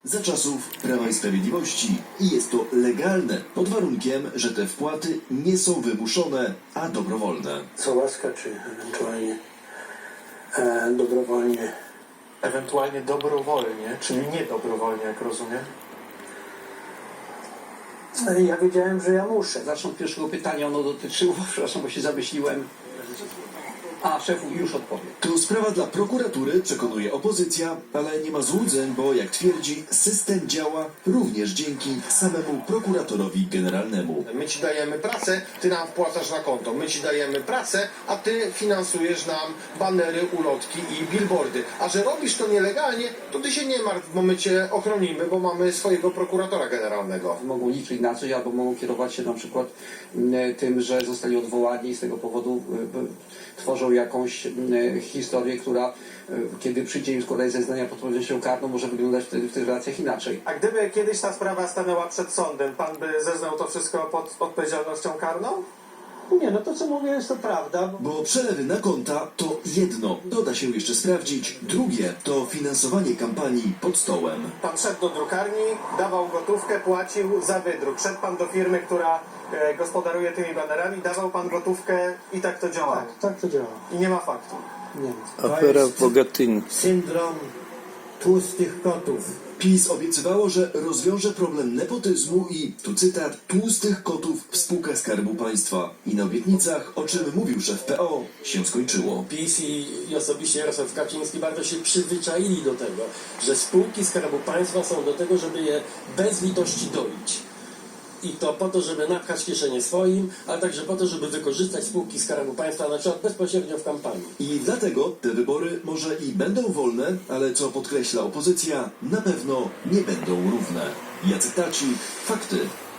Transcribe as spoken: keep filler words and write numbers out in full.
Za czasów Prawa i Sprawiedliwości i jest to legalne, pod warunkiem, że te wpłaty nie są wymuszone, a dobrowolne. Co łaska, czy ewentualnie e, dobrowolnie? Ewentualnie dobrowolnie, czyli nie dobrowolnie, jak rozumiem. E, Ja wiedziałem, że ja muszę. Zacznę od pierwszego pytania, ono dotyczyło, przepraszam, bo się zamyśliłem. A, szefu już odpowie. To sprawa dla prokuratury, przekonuje opozycja, ale nie ma złudzeń, bo jak twierdzi, system działa również dzięki samemu prokuratorowi generalnemu. My ci dajemy pracę, ty nam wpłacasz na konto. My ci dajemy pracę, a ty finansujesz nam banery, ulotki i billboardy. A że robisz to nielegalnie, to ty się nie martw, bo my cię ochronimy, bo mamy swojego prokuratora generalnego. Mogą liczyć na coś, albo mogą kierować się na przykład m, tym, że zostali odwołani i z tego powodu y, y, tworzą jakąś y, historię, która y, kiedy przyjdzie im składać zeznania pod odpowiedzialnością karną, może wyglądać wtedy w tych relacjach inaczej. A gdyby kiedyś ta sprawa stanęła przed sądem, pan by zeznał to wszystko pod odpowiedzialnością karną? Nie, no to co mówię jest to prawda. Bo... Bo przelewy na konta to jedno, doda się jeszcze sprawdzić. Drugie to finansowanie kampanii pod stołem. Pan szedł do drukarni, dawał gotówkę, płacił za wydruk. Szedł pan do firmy, która e, gospodaruje tymi banerami, dawał pan gotówkę i tak to działa. Tak, tak to działa. I nie ma faktu. Nie ma. Afera w Bogatyni. Syndrom tłustych kotów. PiS obiecywało, że rozwiąże problem nepotyzmu i, tu cytat, tłustych kotów w spółkach Skarbu Państwa. I na obietnicach, o czym mówił szef P O, się skończyło. PiS i, i osobiście Jarosław Kaczyński bardzo się przyzwyczaili do tego, że spółki Skarbu Państwa są do tego, żeby je bez litości doić. I to po to, żeby napchać kieszenie swoim, ale także po to, żeby wykorzystać spółki Skarbu Państwa na przykład bezpośrednio w kampanii. I dlatego te wybory może i będą wolne, ale co podkreśla opozycja, na pewno nie będą równe. Jacek Tacik, fakty.